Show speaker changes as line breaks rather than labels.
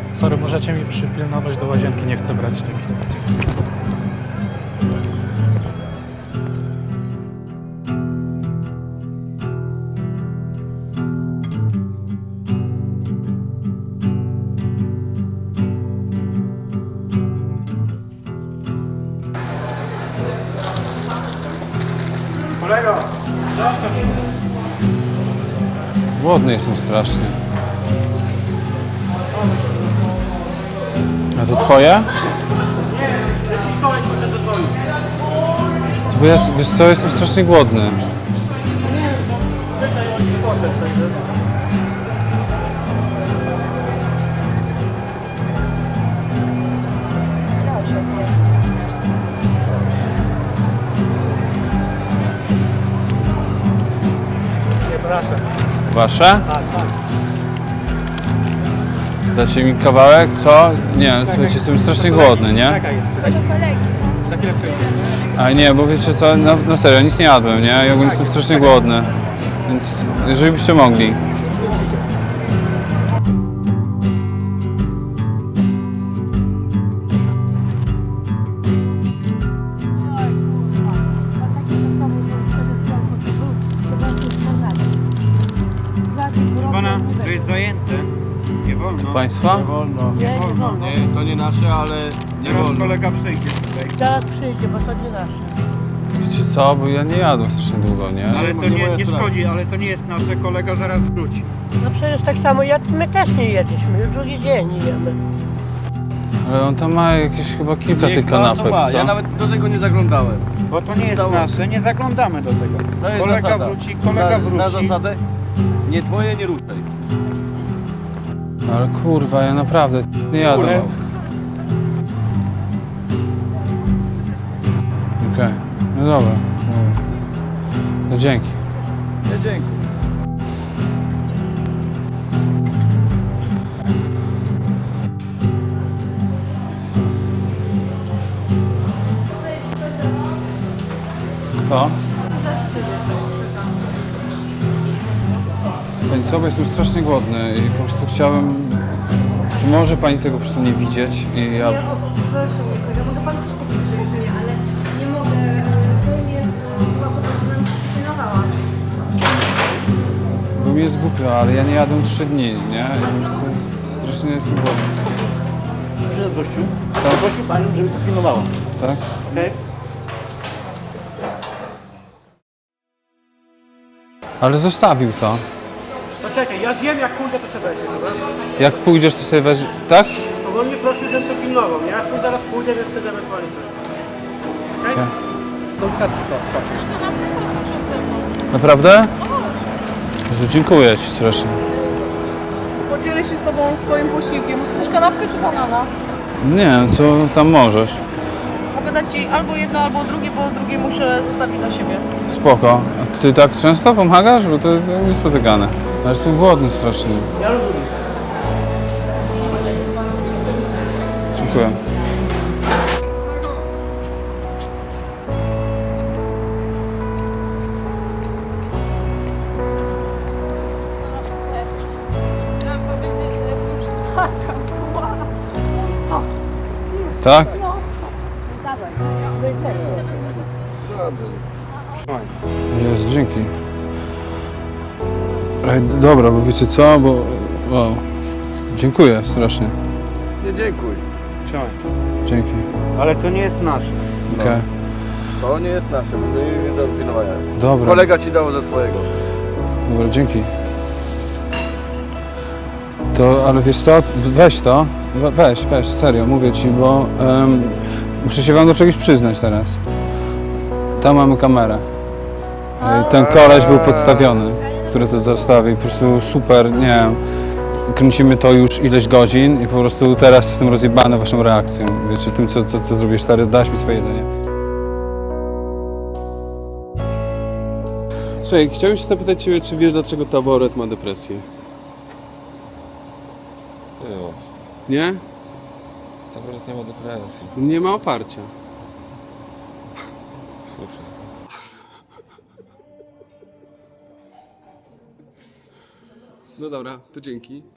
Sorry, możecie mi przypilnować do łazienki, nie chcę brać. Dzięki.
Kolego!
Głodny jestem strasznie. A to twoje? To bo ja, wiesz co, jestem strasznie głodny. Wasze?
Tak, tak.
Dacie mi kawałek, co? Nie, słuchajcie, jestem strasznie głodny, nie?
Jaka jest? Za chwilę przyjdzie.
A nie, bo wiecie co, na serio, nic nie jadłem, nie? Ja ogólnie jestem strasznie głodny. Więc jeżeli byście mogli.
Pana, to jest zajęte. Nie wolno.
Państwa?
Wolno.
Nie wolno.
Nie, to nie nasze, ale nie
Teraz
wolno.
kolega przyjdzie tutaj.
Zaraz przyjdzie, bo to nie nasze.
Wiecie co, bo ja nie jadłem strasznie długo, nie?
Ale to
nie moja
nie
sprawa.
szkodzi, ale to nie jest nasze. Kolega zaraz wróci.
No przecież tak samo my też nie jedliśmy, już drugi dzień nie jemy.
Ale on tam ma jakieś chyba kilka
Niech
tych
ma,
kanapek,
co ma.
co?
Ja nawet do tego nie zaglądałem.
Bo to nie jest
Udało.
nasze, nie zaglądamy do tego.
To jest
Kolega
zasada.
wróci, kolega wróci.
Na zasadę nie twoje, nie ruszaj.
Ale kurwa, ja naprawdę nie jadłem. Okej, no dobra. No dzięki.
Nie, dzięki.
Kto? Pani co, bo jestem strasznie głodny i po prostu chciałem... Czy może pani tego po prostu nie widzieć i ja...
Ja proszę mój kolega, mogę pan coś kupić do jedzenia, ale nie mogę, to mnie chyba poprosiłam, pilnowała.
Bo mi jest głupio, ale ja nie jadłem 3 dni, nie? I po prostu strasznie jestem głodny.
Przyszedł gościu, prosił panią, żeby to pilnowała.
Tak?
Okej?
Ale zostawił to.
Poczekaj, ja zjem, jak pójdę, to się weźmie, dobra?
Jak pójdziesz, to sobie weź... Tak?
Bo on mnie prosił, żebym to pilnował, nie? Ja tu zaraz pójdę, więc chcę ewentualnie coś. Okej?
Okej.
To teraz to, stop.
Naprawdę? Jezu, dziękuję ci strasznie.
Podzielę się z tobą swoim posiłkiem. Chcesz kanapkę czy banana?
Nie, co tam możesz?
Mogę dać ci albo jedno, albo drugie, bo drugie muszę zostawić na siebie.
Spoko. A ty tak często pomagasz? Bo to niespotykane. Ale jestem głodny strasznie.
Ja rozumiem.
Dziękuję.
Chciałam powiedzieć, że już taka była.
Tak? Jest, dzięki. Ej, dobra, bo wiecie co, bo... Wow. Dziękuję strasznie.
Nie dziękuj.
Trzymaj.
Dzięki.
Ale to nie jest nasze.
Okej.
To nie jest nasze, my nie do pilnowania.
Dobra.
Kolega ci dał ze swojego.
Dobra, dzięki. To, ale wiesz co, weź to, weź, serio, mówię ci, bo muszę się wam do czegoś przyznać teraz. Tam mamy kamerę. Ten koleś był podstawiony, który to zostawił, po prostu super, nie wiem, kręcimy to już ileś godzin i po prostu teraz jestem rozjebany waszą reakcją, wiecie, tym co zrobisz, stary, dasz mi swoje jedzenie.
Słuchaj, chciałem się zapytać Ciebie, czy wiesz, dlaczego taboret ma depresję? Nie?
Taboret nie ma depresji.
Nie ma oparcia.
Słyszę.
No dobra, to dzięki.